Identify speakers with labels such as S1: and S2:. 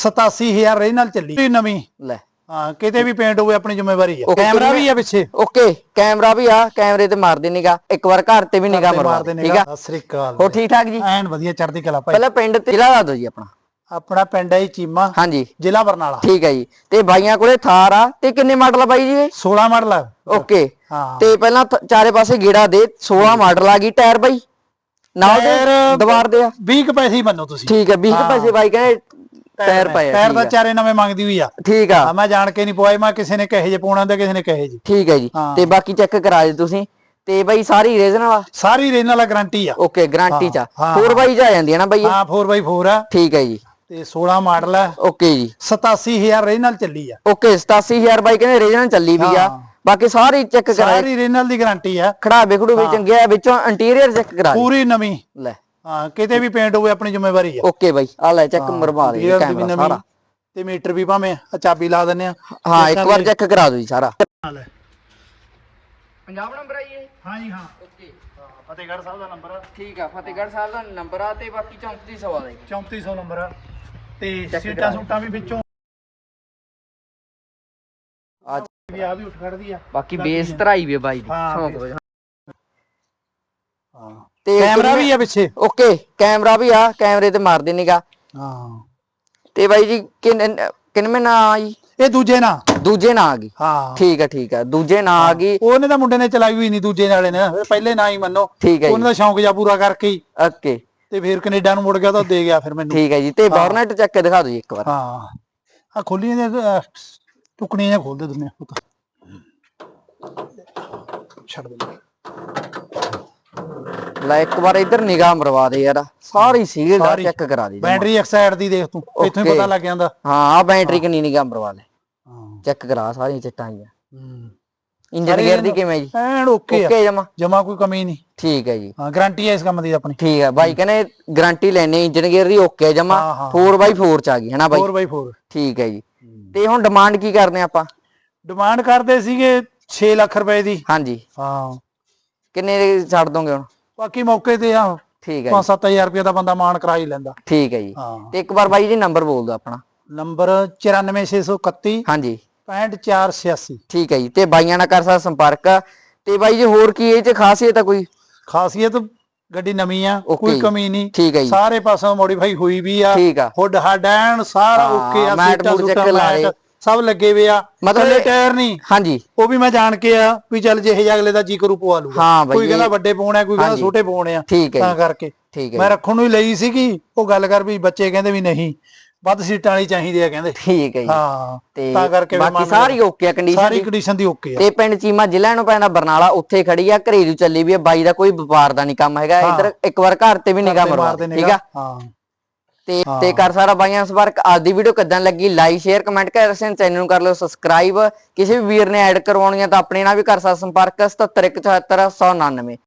S1: 87000 ਰੇ ਨਾਲ ਚੱਲੀ ਨਵੀਂ
S2: ਲੈ
S1: ਹਾਂ ਕਿਤੇ ਵੀ ਪੇਂਟ ਹੋਵੇ ਆਪਣੀ ਜ਼ਿੰਮੇਵਾਰੀ ਹੈ। ਕੈਮਰਾ ਵੀ ਆ ਪਿੱਛੇ
S2: ਓਕੇ ਕੈਮਰਾ ਵੀ ਆ ਕੈਮਰੇ ਤੇ ਮਾਰਦੇ ਨਿਗਾ ਇੱਕ ਵਾਰ ਘਰ ਤੇ ਵੀ ਨਿਗਾ ਮਾਰਦੇ ਠੀਕ ਆ।
S1: ਸਤਿ ਸ੍ਰੀ ਅਕਾਲ
S2: ਹੋ ਠੀਕ ਠਾਕ ਜੀ
S1: ਐਨ ਵਧੀਆ ਚੜ੍ਹਦੀ ਕਲਾ ਭਾਈ।
S2: ਪਹਿਲਾਂ ਪਿੰਡ ਤੇ ਜ਼ਿਲ੍ਹਾ ਦੱਸ ਦਿਓ ਜੀ ਆਪਣਾ।
S1: ਆਪਣਾ ਪਿੰਡ ਹੈ ਚੀਮਾ
S2: ਹਾਂਜੀ
S1: ਜ਼ਿਲ੍ਹਾ ਬਰਨਾਲਾ
S2: ਠੀਕ ਹੈ ਜੀ। ਤੇ ਬਾਈਆਂ ਕੋਲੇ ਥਾਰ ਆ ਤੇ ਕਿੰਨੇ ਮਾਡਲ ਆ ਬਾਈ ਜੀ ਇਹ
S1: 16 ਮਾਡਲ ਆ
S2: ਓਕੇ
S1: ਹਾਂ।
S2: ਤੇ ਪਹਿਲਾਂ ਚਾਰੇ ਪਾਸੇ ਗੇੜਾ ਦੇ 16 ਮਾਡਲ ਆ ਗਈ ਟਾਇਰ ਬਾਈ ਨਾਲ ਦੇ ਦਵਾਰ ਦੇ ਆ
S1: 20 ਕੁ ਪੈਸੇ ਹੀ ਮੰਨੋ ਤੁਸੀਂ
S2: ਠੀਕ ਹੈ 20 ਪੈਸੇ ਬਾਈ ਕਹਿੰਦੇ ਟਾਇਰ ਪਏ
S1: ਟਾਇਰ ਦਾ ਚਾਰੇ ਨਵੇਂ ਮੰਗਦੀ ਹੋਈ ਆ
S2: ਠੀਕ ਆ
S1: ਮੈਂ ਜਾਣ ਕੇ ਨਹੀਂ ਪਵਾਏ ਮੈਂ ਕਿਸੇ ਨੇ ਕਹੇ ਜੇ ਪਾਉਣਾ ਤੇ ਕਿਸੇ ਨੇ ਕਹੇ ਜੀ
S2: ਠੀਕ ਹੈ ਜੀ। ਤੇ ਬਾਕੀ ਚੈੱਕ ਕਰਾ ਦੇ ਤੁਸੀਂ ਤੇ ਬਾਈ ਸਾਰੀ ਰੀਜਨਲ ਆ
S1: ਸਾਰੀ ਰੇਨ ਵਾਲਾ ਗਾਰੰਟੀ ਆ
S2: ਓਕੇ ਗਾਰੰਟੀ ਚ 4x ਆ ਜਾਂਦੀ ਹੈ ਨਾ ਬਾਈ
S1: ਹਾਂ 4x4 ਆ
S2: ਠੀਕ ਹੈ ਜੀ।
S1: ਤੇ 16 ਮਾਡਲ ਆ
S2: ਓਕੇ ਜੀ
S1: 87000 ਰੇ ਨਾਲ ਚੱਲੀ ਆ
S2: ਓਕੇ 87000 ਬਾਈ ਕਹਿੰਦੇ ਰੀਜਨਲ ਚੱਲੀ ਵੀ ਆ ਬਾਕੀ ਸਾਰੀ ਚੈੱਕ ਕਰਾ
S1: ਸਾਰੀ ਰੇਨਲ ਦੀ ਗਾਰੰਟੀ ਆ
S2: ਖੜਾਵੇ ਖੜੂਵੇ ਚੰਗੇ ਆ ਵਿੱਚੋਂ ਇੰਟੀਰੀਅਰ ਚੈੱਕ ਕਰਾ
S1: ਪੂਰੀ ਨਵੀਂ
S2: ਲੈ
S1: ਹਾਂ ਕਿਤੇ ਵੀ ਪੇਂਟ ਹੋਵੇ ਆਪਣੀ ਜ਼ਿੰਮੇਵਾਰੀ ਆ
S2: ਓਕੇ ਬਾਈ ਆ ਲੈ ਚੈੱਕ ਮਰਵਾ ਦੇ ਕੈਮਰਾ ਸਾਰਾ
S1: ਤੇ ਮੀਟਰ ਵੀ ਭਾਵੇਂ ਚਾਬੀ ਲਾ ਦਿੰਨੇ ਆ
S2: ਹਾਂ ਇੱਕ ਵਾਰ ਚੈੱਕ ਕਰਾ ਦਿਓ ਜੀ ਸਾਰਾ। ਪੰਜਾਬ ਨੰਬਰ ਆ ਜੀ
S1: ਹਾਂ ਜੀ ਹਾਂ
S2: ਓਕੇ
S1: ਫਤਿਹਗੜ੍ਹ ਸਾਹਿਬ ਦਾ ਨੰਬਰ ਆ
S2: ਠੀਕ ਆ ਫਤਿਹਗੜ੍ਹ ਸਾਹਿਬ ਦਾ ਨੰਬਰ ਆ ਤੇ ਬਾਕੀ 3400 ਦਾ
S1: 3400 ਨੰਬਰ ਆ ਤੇ ਸੀਟਾਂ ਸੂਟਾਂ ਵੀ ਵਿੱਚੋਂ ਵੀ ਆ ਵੀ ਉੱਠ ਖੜਦੀ ਆ
S2: ਬਾਕੀ ਬੇਸ ਧਰਾਈ ਵੀ ਬਾਈ ਦੀ
S1: ਹਾਂ
S2: ਤੇ
S1: ਕੈਮਰਾ ਵੀ ਆ ਪਿੱਛੇ
S2: ਓਕੇ ਕੈਮਰਾ ਵੀ ਆ ਕੈਮਰੇ ਤੇ ਮਾਰਦੇ ਨਿਗਾ
S1: ਹਾਂ
S2: ਤੇ ਬਾਈ ਜੀ ਕਿੰਨਵੇਂ ਨਾ ਆਈ
S1: ਇਹ ਦੂਜੇ ਨਾ
S2: ਦੂਜੇ ਨਾ ਆ ਗਈ
S1: ਹਾਂ
S2: ਠੀਕ ਆ ਦੂਜੇ ਨਾ ਆ ਗਈ
S1: ਉਹਨੇ ਤਾਂ ਮੁੰਡੇ ਨੇ ਚਲਾਈ ਹੋਈ ਨਹੀਂ ਦੂਜੇ ਨਾਲੇ ਨੇ ਪਹਿਲੇ ਨਾ ਹੀ ਮੰਨੋ
S2: ਠੀਕ ਹੈ
S1: ਉਹਨੇ ਦਾ ਸ਼ੌਂਕ ਜਾ ਪੂਰਾ ਕਰਕੇ ਹੀ
S2: ਓਕੇ
S1: ਤੇ ਫਿਰ ਕੈਨੇਡਾ ਨੂੰ ਮੁੜ ਗਿਆ ਤਾਂ ਦੇ ਗਿਆ ਫਿਰ ਮੈਨੂੰ
S2: ਠੀਕ ਹੈ ਜੀ। ਤੇ ਬੋਰਨਟ ਚੱਕ ਕੇ ਦਿਖਾ ਦਿਓ ਜੀ ਇੱਕ ਵਾਰ
S1: ਹਾਂ ਆ ਖੋਲੀਆਂ ਜੇ ਟੁਕਣੀਆਂ ਖੋਲ ਦੇ ਦਿੰਨੇ ਛੱਡ ਦੇ
S2: ਲੈ ਇੱਕ ਵਾਰ ਇੱਧਰ ਨਿਗਾਹ ਮਰਵਾ ਦੇ ਯਾਰ ਸਾਰੀ ਸੀਲ ਦਾ ਚੈੱਕ ਕਰਾ ਦੇ
S1: ਬੈਟਰੀ ਇੱਕ ਸਾਈਡ ਦੀ ਦੇਖ ਤੂੰ ਇੱਥੋਂ ਹੀ ਪਤਾ ਲੱਗ ਜਾਂਦਾ
S2: ਹਾਂ ਆ ਬੈਟਰੀ ਕਿੰਨੀ ਨਿਗਾਹ ਮਰਵਾ ਲੈ ਚੈੱਕ ਕਰਾ ਸਾਰੀਆਂ ਚਿੱਟਾਂ ਆਈਆਂ ਇੰਜਨ ਗੇਅਰ ਦੀ ਕਿਵੇਂ ਜੀ
S1: ਐਨ ਓਕੇ
S2: ਓਕੇ ਜਮਾ
S1: ਜਮਾ ਕੋਈ ਕਮੀ ਨਹੀਂ
S2: ਠੀਕ ਹੈ ਜੀ।
S1: ਹਾਂ ਗਾਰੰਟੀ ਹੈ ਇਸ ਕੰਮ ਦੀ ਆਪਣੀ
S2: ਠੀਕ ਹੈ ਬਾਈ ਕਹਿੰਦੇ ਗਾਰੰਟੀ ਲੈਣੀ ਇੰਜਨ ਗੇਅਰ ਦੀ ਓਕੇ ਜਮਾ 4x4 ਚ ਆ ਗਈ ਹੈ ਨਾ ਬਾਈ
S1: 4x4
S2: ਠੀਕ ਹੈ ਜੀ। ਤੇ ਹੁਣ ਡਿਮਾਂਡ ਕੀ ਕਰਦੇ ਆਪਾਂ
S1: ਡਿਮਾਂਡ ਕਰਦੇ ਸੀਗੇ 6 ਲੱਖ ਰੁਪਏ ਦੀ
S2: ਹਾਂਜੀ
S1: ਹਾਂ
S2: ਕਿੰਨੇ ਦੇ ਛੱਡ ਦੋਗੇ ਹੁਣ
S1: ਬਾਕੀ ਮੌਕੇ ਤੇ ਆ
S2: ਠੀਕ ਹੈ
S1: 5-7000 ਰੁਪਏ ਦਾ ਬੰਦਾ ਮਾਨ ਕਰਾ ਹੀ ਲੈਂਦਾ
S2: ਠੀਕ ਹੈ ਜੀ।
S1: ਹਾਂ
S2: ਤੇ ਇੱਕ ਵਾਰ ਬਾਈ ਜੀ ਨੰਬਰ ਬੋਲ ਦਿਓ ਆਪਣਾ
S1: ਨੰਬਰ 94631
S2: ਹਾਂਜੀ
S1: 65486
S2: ਠੀਕ ਹੈ ਜੀ। ਤੇ ਬਾਈਆਂ ਨਾਲ ਕਰ ਸਕਦਾ ਸੰਪਰਕ ਤੇ ਬਾਈ ਜੀ ਹੋਰ ਕੀ ਇਹ ਚ ਖਾਸੀਅਤ ਆ ਕੋਈ
S1: ਖਾਸੀਅਤ ਗੱਡੀ ਨਵੀਂ ਆ ਕੋਈ ਕਮੀ ਨਹੀਂ
S2: ਠੀਕ ਹੈ ਜੀ।
S1: ਸਾਰੇ ਪਾਸੋਂ ਮੋਡੀਫਾਈ ਹੋਈ ਵੀ ਆ
S2: ਠੀਕ ਆ
S1: ਹੁੱਡ ਹੱਡ ਐਨ ਸਾਰਾ ਓਕੇ ਆ
S2: ਮੈਟ ਮੂਟ ਚੈੱਕ ਲਾਏ
S1: ਸਭ ਲੱਗੇ ਵੇ ਆ
S2: ਮਤਲਬ
S1: ਟਾਇਰ ਨਹੀਂ
S2: ਹਾਂਜੀ
S1: ਉਹ ਵੀ ਮੈਂ ਜਾਣ ਕੇ ਆ ਵੀ ਚੱਲ ਜਿਹੇ ਅਗਲੇ ਦਾ ਜੀ ਕਰੂ ਪਵਾ ਲੂਗਾ
S2: ਹਾਂ ਬਾਈ
S1: ਕੋਈ ਕਹਿੰਦਾ ਵੱਡੇ ਪਾਉਣੇ ਕੋਈ ਕਹਿੰਦਾ ਛੋਟੇ ਪਾਉਣੇ ਆ
S2: ਠੀਕ ਹੈ
S1: ਤਾਂ ਕਰਕੇ
S2: ਠੀਕ ਹੈ
S1: ਮੈਂ ਰੱਖਣ ਨੂੰ ਹੀ ਲਈ ਸੀਗੀ ਉਹ ਗੱਲ ਕਰ ਵੀ ਬੱਚੇ ਕਹਿੰਦੇ ਵੀ ਨਹੀਂ ਵੱਧ ਸੀਟਾਂ ਵਾਲੀ ਚਾਹੀਦੀ ਆ ਕਹਿੰਦੇ
S2: ਠੀਕ ਹੈ ਜੀ।
S1: ਹਾਂ
S2: ਤੇ
S1: ਤਾਂ ਕਰਕੇ
S2: ਬਾਕੀ ਸਾਰੀ ਓਕੇ ਆ ਕੰਡੀਸ਼ਨ
S1: ਸਾਰੀ ਕੰਡੀਸ਼ਨ ਦੀ ਓਕੇ ਆ
S2: ਤੇ ਪਿੰਡ ਚੀਮਾ ਜ਼ਿਲ੍ਹਾ ਨੂੰ ਪੈਂਦਾ ਬਰਨਾਲਾ ਉੱਥੇ ਖੜੀ ਆ ਘਰੇਲੂ ਚੱਲੀ ਵੀ ਆ ਬਾਈ ਦਾ ਕੋਈ ਵਪਾਰ ਦਾ ਨਹੀਂ ਕੰਮ ਹੈਗਾ ਇੱਧਰ ਇੱਕ ਵਾਰ ਘਰ ਤੇ ਵੀ ਨਿਗਾਹ ਮਰਵਾ ਦੇ ਠੀਕ ਆ
S1: ਹਾਂ
S2: ਤੇ ਕਰ ਸਾਰਾ ਬਾਈਆਂ ਸੰਪਰਕ ਅੱਜ ਦੀ ਵੀਡੀਓ ਕਿਦਾਂ ਲੱਗੀ ਲਾਈਕ ਸ਼ੇਅਰ ਕਮੈਂਟ ਕਰ ਚੈਨਲ ਨੂੰ ਕਰ ਲਿਓ ਸਬਸਕ੍ਰਾਈਬ ਕਿਸੇ ਵੀ ਵੀਰ ਨੇ ਐਡ ਕਰਵਾਉਣੀ ਆ ਤਾਂ ਆਪਣੇ ਨਾਲ ਵੀ ਕਰ ਸਕਦਾ ਸੰਪਰਕ 77177199